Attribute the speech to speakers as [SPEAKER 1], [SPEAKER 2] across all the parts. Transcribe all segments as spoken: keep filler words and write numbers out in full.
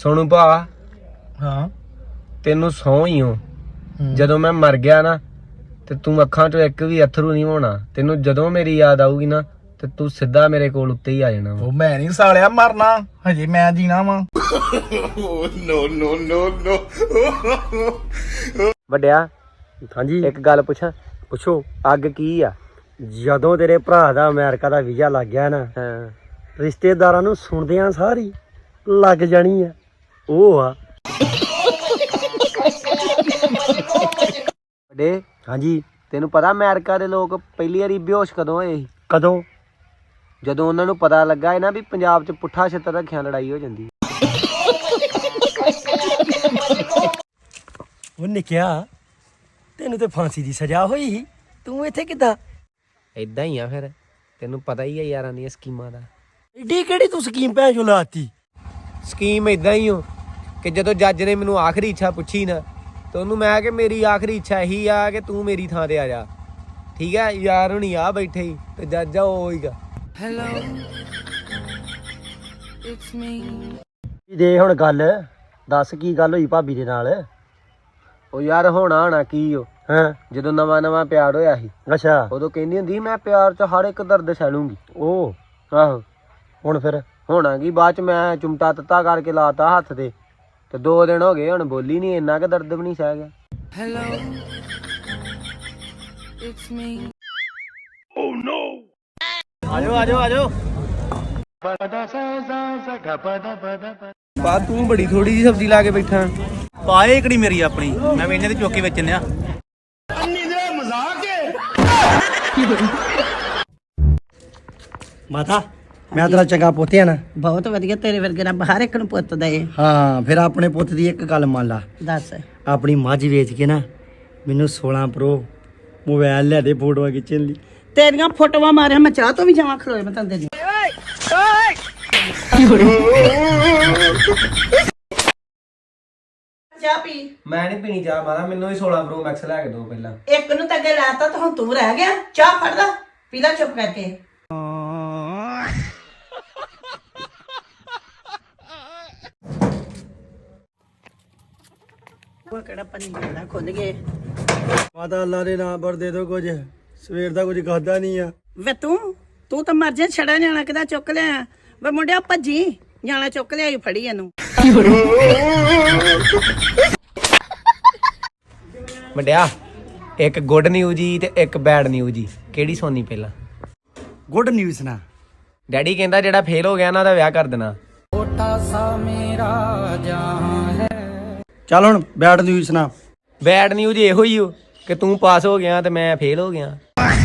[SPEAKER 1] सोनू भा
[SPEAKER 2] हाँ
[SPEAKER 1] तेनू सौ ही हो जदों मैं मर गया ना ते तू अखां चों एक भी अथरू नहीं होना तेनू जदों मेरी याद आऊगी ना ते तू सीधा मेरे कोल उत्ते ही आ जाना
[SPEAKER 2] वो मैं नहीं सालिया मरना हजे मैं जीना वा
[SPEAKER 1] नो नो नो नो ਵੱਡਿਆ
[SPEAKER 3] ਹਾਂਜੀ
[SPEAKER 1] ਇੱਕ ਗੱਲ ਪੁੱਛਾਂ
[SPEAKER 3] ਪੁੱਛੋ
[SPEAKER 1] ਅੱਗ ਕੀ ਆ
[SPEAKER 3] ਜਦੋਂ ਤੇਰੇ ਭਰਾ ਦਾ ਅਮਰੀਕਾ ਦਾ ਵੀਜ਼ਾ ਲੱਗ ਗਿਆ ਨਾ
[SPEAKER 1] ਹਾਂ
[SPEAKER 3] ਰਿਸ਼ਤੇਦਾਰਾਂ ਨੂੰ ਸੁਣਦਿਆਂ ਸਾਰੀ ਲੱਗ ਜਾਣੀ ਆ ਉਹ ਆ
[SPEAKER 1] ਵੱਡੇ
[SPEAKER 3] ਹਾਂਜੀ
[SPEAKER 1] ਤੈਨੂੰ ਪਤਾ ਅਮਰੀਕਾ ਦੇ ਲੋਕ ਪਹਿਲੀ ਵਾਰੀ ਬੇਹੋਸ਼ ਕਦੋਂ ਹੋਏ ਸੀ
[SPEAKER 3] ਕਦੋਂ
[SPEAKER 1] ਜਦੋਂ ਉਹਨਾਂ ਨੂੰ ਪਤਾ ਲੱਗਾ ਹੈ ਨਾ ਵੀ ਪੰਜਾਬ 'ਚ ਪੁੱਠਾ ਛਿੱਤਰ ਰੱਖਿਆ ਲੜਾਈ ਹੋ ਜਾਂਦੀ
[SPEAKER 3] ਉਹ ਨਿਕਿਆ ਤੈਨੂੰ ਤੇ ਫਾਂਸੀ ਦੀ ਸਜ਼ਾ ਹੋਈ ਸੀ ਤੂੰ ਇੱਥੇ ਕਿੱਦਾਂ
[SPEAKER 1] ਏਦਾਂ ਹੀ ਆ ਫਿਰ ਤੈਨੂੰ ਪਤਾ ਹੀ ਆ ਯਾਰਾਂ ਦੀਆਂ ਸਕੀਮਾਂ ਦਾ
[SPEAKER 3] ਏਡੀ ਕਿਹੜੀ ਤੂੰ ਸਕੀਮ ਭੈਣ ਚੋ ਲਾਤੀ
[SPEAKER 1] ਸਕੀਮ ਏਦਾਂ ਹੀ ਹੋ ਕਿ ਜਦੋਂ ਜੱਜ ਨੇ ਮੈਨੂੰ ਆਖਰੀ ਇੱਛਾ ਪੁੱਛੀ ਨਾ ਤੇ ਉਹਨੂੰ ਮੈਂ ਕਿ ਮੇਰੀ ਆਖਰੀ ਇੱਛਾ ਇਹੀ ਆ ਕਿ ਤੂੰ ਮੇਰੀ ਥਾਂ ਤੇ ਆ ਜਾ ਠੀਕ ਹੈ ਯਾਰ ਹੁਣੀ ਆ ਬੈਠੇ ਹੀ ਤੇ ਜੱਜ ਆ ਉਹ ਹੀਗਾ
[SPEAKER 4] Hello, it's me.
[SPEAKER 3] ਦੇ ਹੁਣ ਗੱਲ ਦੱਸ ਕੀ ਗੱਲ ਹੋਈ ਭਾਬੀ ਦੇ ਨਾਲ
[SPEAKER 1] ਉਹ ਯਾਰ ਹੋਣਾ ਹੋਣਾ ਕੀ ਉਹ
[SPEAKER 3] ਹਾਂ
[SPEAKER 1] ਜਦੋਂ ਨਵਾਂ ਨਵਾਂ ਪਿਆਰ ਹੋਇਆ ਸੀ
[SPEAKER 3] ਅੱਛਾ
[SPEAKER 1] ਉਦੋਂ ਕਹਿੰਦੀ ਹੁੰਦੀ ਸੀ, ਮੈਂ ਪਿਆਰ 'ਚ ਹਰ ਇੱਕ ਦਰਦ ਸਹਿ ਲੂੰਗੀ
[SPEAKER 3] ਉਹ
[SPEAKER 1] ਆਹੋ
[SPEAKER 3] ਹੁਣ ਫਿਰ
[SPEAKER 1] ਹੋਣਾ ਕੀ ਬਾਅਦ 'ਚ ਮੈਂ ਚੁੰਮਟਾ ਤੱਤਾ ਕਰਕੇ ਲਾਤਾ ਹੱਥ ਤੇ ਤੇ ਦੋ ਦਿਨ ਹੋ ਗਏ ਹੁਣ ਬੋਲੀ ਨਹੀਂ ਇੰਨਾ ਕਿ ਦਰਦ ਵੀ ਨਹੀਂ ਸਹਿ ਗਿਆ
[SPEAKER 4] Hello, it's me.
[SPEAKER 3] ਆਜੋ ਆਜੋ ਆਜੋ
[SPEAKER 1] ਬਾ ਤੂੰ ਬੜੀ ਥੋੜੀ ਜੀ ਸਬਜ਼ੀ ਲਾ ਕੇ ਬੈਠਾ
[SPEAKER 2] ਪਾਏ ਇਕੜੀ ਮੇਰੀ ਆਪਣੀ ਮੈਂ ਵੇਨੇ ਤੇ ਚੋਕੇ ਵੇਚਣ ਆ
[SPEAKER 3] ਮਾਤਾ ਮੈਂ ਤੇਰਾ ਚੰਗਾ ਪੁੱਤ ਆ ਨਾ
[SPEAKER 5] ਬਹੁਤ ਵਧੀਆ ਤੇਰੇ ਵਰਗੇ ਨਾਲ ਹਰ ਇੱਕ ਨੂੰ ਪੁੱਤ ਦਏ
[SPEAKER 3] ਹਾਂ ਫਿਰ ਆਪਣੇ ਪੁੱਤ ਦੀ ਇੱਕ ਗੱਲ ਮੰਨ ਲਾ
[SPEAKER 5] ਦੱਸ
[SPEAKER 3] ਆਪਣੀ ਮੱਝ ਵੇਚ ਕੇ ਨਾ ਮੈਨੂੰ ਸੋਲਾਂ ਪ੍ਰੋ ਮੋਬਾਈਲ ਲੈ ਦੇ ਫੋਟੋਆਂ ਖਿੱਚਣ ਲਈ
[SPEAKER 5] ਤੇਰੀਆਂ ਫੋਟੋਆਂ ਮਾਰਿਆ ਮੈਂ ਚਾਹ ਤੋਂ ਵੀ ਜਾਵਾਂ ਖਲੋਏ ਮੈਂ ਤੰਦੇ ਦੀ ਚਾਹ ਪੀ
[SPEAKER 1] ਮੈਂ ਨਹੀਂ ਪੀਣੀ ਚਾਹ ਮਾਰਾ ਮੈਨੂੰ ਵੀ ਸੋਲਾਂ ਪ੍ਰੋ ਮੈਕਸ ਲੈ ਕੇ ਦੋ ਪਹਿਲਾਂ
[SPEAKER 5] ਇੱਕ ਨੂੰ ਤਾਂ ਅੱਗੇ ਲਾਤਾ ਤਾਂ ਹੁਣ ਤੂੰ ਰਹਿ ਗਿਆ ਚਾਹ ਫੜ ਲੈ ਪੀ ਲੈ ਚੁੱਪ ਕਰਕੇ ਉਹ ਕਿਹੜਾ ਪਾਣੀ ਮਿਲਦਾ ਖੁੱਲ ਗਏ
[SPEAKER 3] ਮਾਤਾ ਅੱਲਾ ਦੇ ਨਾਮ ਪਰ ਦੇ ਦੋ ਕੁਝ ਸਵੇਰ ਦਾ ਕੁਝ ਖਾਦਾ ਨਹੀਂ ਆ
[SPEAKER 5] ਵੇ ਤੂੰ ਤੂੰ ਤਾਂ ਮਰ ਜਾ ਛੜਾ ਜਾਣਾ ਕਿਦਾ ਚੁੱਕ ਲਿਆ ਵੇ ਮੁੰਡਿਆ ਭੱਜੀ ਜਾਣਾ ਚੁੱਕ ਲਿਆ ਫੜੀ ਇਹਨੂੰ
[SPEAKER 1] ਵੱਡਿਆ ਇੱਕ ਗੁੱਡ ਨਿਊਜ਼ ਜੀ ਤੇ ਇੱਕ ਬੈਡ ਨਿਊਜ਼ ਜੀ ਕਿਹੜੀ ਸੁਣਨੀ ਪਹਿਲਾਂ
[SPEAKER 3] ਗੁੱਡ ਨਿਊਜ਼ ਨਾ
[SPEAKER 1] ਡੈਡੀ ਕਹਿੰਦਾ ਜਿਹੜਾ ਫੇਲ ਹੋ ਗਿਆ ਨਾ ਉਹਦਾ ਵਿਆਹ ਕਰ ਦੇਣਾ
[SPEAKER 3] ਚੱਲ ਹੁਣ ਬੈਡ ਨਿਊਜ਼ ਨਾ
[SPEAKER 1] ਬੈਡ ਨਿਊਜ਼ ਇਹੋ ਹੀ ਹੋ ਕਿ ਤੂੰ ਪਾਸ ਹੋ ਗਿਆ ਤੇ ਮੈਂ ਫੇਲ ਹੋ ਗਿਆ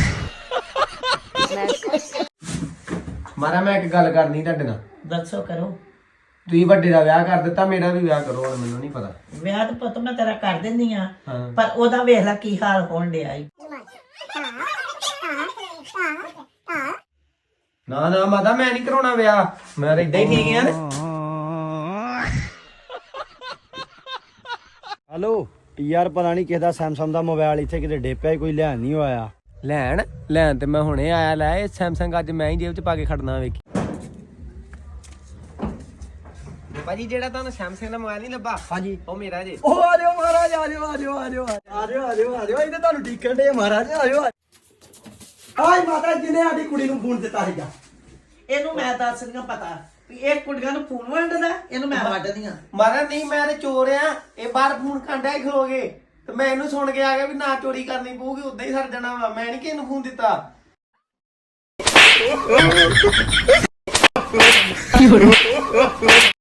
[SPEAKER 1] ਮਾਰਾ ਮੈਂ ਇੱਕ ਗੱਲ ਕਰਨੀ ਤੁਹਾਡੇ ਨਾਲ
[SPEAKER 5] ਦੱਸੋ ਕਰੋ
[SPEAKER 1] ਤੁਸੀਂ ਵੱਡੇ ਦਾ ਵਿਆਹ ਕਰ ਦਿੱਤਾ ਮੇਰਾ ਵੀ ਵਿਆਹ ਕਰੋ ਹੁਣ ਮੈਨੂੰ ਨਹੀਂ ਪਤਾ
[SPEAKER 5] ਵਿਆਹ ਤਾਂ ਪੁੱਤ ਮੈਂ ਤੇਰਾ ਕਰ ਦਿੰਦੀ ਆ
[SPEAKER 1] ਹਾਂ।
[SPEAKER 5] ਪਰ ਉਹਦਾ ਵੇਖ ਲੈ ਕੀ ਹਾਲ ਹੋਣ ਡਿਆ ਈ
[SPEAKER 1] ਨਾ ਨਾ ਮਾਤਾ ਮੈਂ ਨਹੀਂ ਕਰਾਉਣਾ ਵਿਆਹ ਮੈਂ ਤਾਂ ਇਦਾਂ ਹੀ ਠੀਕ ਆ
[SPEAKER 3] ਹਲੋ ਯਾਰ ਪਤਾ ਨਹੀਂ ਕਿਸ ਦਾ ਸੈਮਸੰਗ ਦਾ ਮੋਬਾਈਲ ਇੱਥੇ ਕਿਤੇ ਡੇਪਿਆ ਕੋਈ ਲੈਣ ਨਹੀਂ ਆਇਆ
[SPEAKER 1] ਲੈਣ ਲੈਣ ਤੇ ਮੈਂ ਹੁਣੇ ਆਇਆ ਲੈ ਇਹ ਸੈਮਸੰਗ ਅੱਜ ਮੈਂ ਹੀ ਜੇਬ 'ਚ ਪਾ ਕੇ ਖੜਨਾ ਵੇਖੀ ਭਾਜੀ ਜਿਹੜਾ ਤੁਹਾਨੂੰ ਸੈਮਸੰਗ ਦਾ ਮੋਬਾਈਲ ਨਹੀਂ ਲੱਭਾ
[SPEAKER 3] ਹਾਂਜੀ
[SPEAKER 1] ਉਹ ਮੇਰਾ ਜੇ
[SPEAKER 3] ਉਹ ਆ ਜਾਓ ਮਹਾਰਾਜ ਆ ਜਾਓ ਆ ਜਾਓ ਆ ਜਾਓ ਆ ਜਾਓ ਆ ਜਾਓ ਆ ਜਾਓ ਇਹਨੇ ਤੁਹਾਨੂੰ ਡੀਕਣ ਦੇ ਮਹਾਰਾਜ ਆ ਜਾਓ ਆਏ ਮਾਤਾ ਜਿਹਨੇ ਸਾਡੀ ਕੁੜੀ ਨੂੰ ਫੋਨ ਦਿੱਤਾ ਸੀਗਾ
[SPEAKER 5] ਇਹਨੂੰ ਮੈਂ ਦੱਸ ਦਿਆਂ ਪਤਾ ਵੀ ਇਹ ਕੁੜੀਆਂ ਨੂੰ ਫੋਨ ਵੰਡਦਾ ਇਹਨੂੰ ਮੈਂ ਵੱਢਦੀ ਆ
[SPEAKER 1] ਮਾਰਾ ਨਹੀਂ ਮੈਂ ਤੇ ਚੋਰ ਆ ਇਹ ਬਾਹਰ ਫੋਨ ਘੰਟਾ ਹੀ ਖਲੋਗੇ ਤੇ ਮੈਂ ਇਹਨੂੰ ਸੁਣ ਕੇ ਆ ਗਿਆ ਵੀ ਨਾ ਚੋਰੀ ਕਰਨੀ ਪਊਗੀ ਉਦਾਂ ਹੀ ਸਰ ਜਾਣਾ ਵਾ ਮੈਂ ਨਹੀਂ ਕਿਸੇ ਨੂੰ ਫੋਨ ਦਿੱਤਾ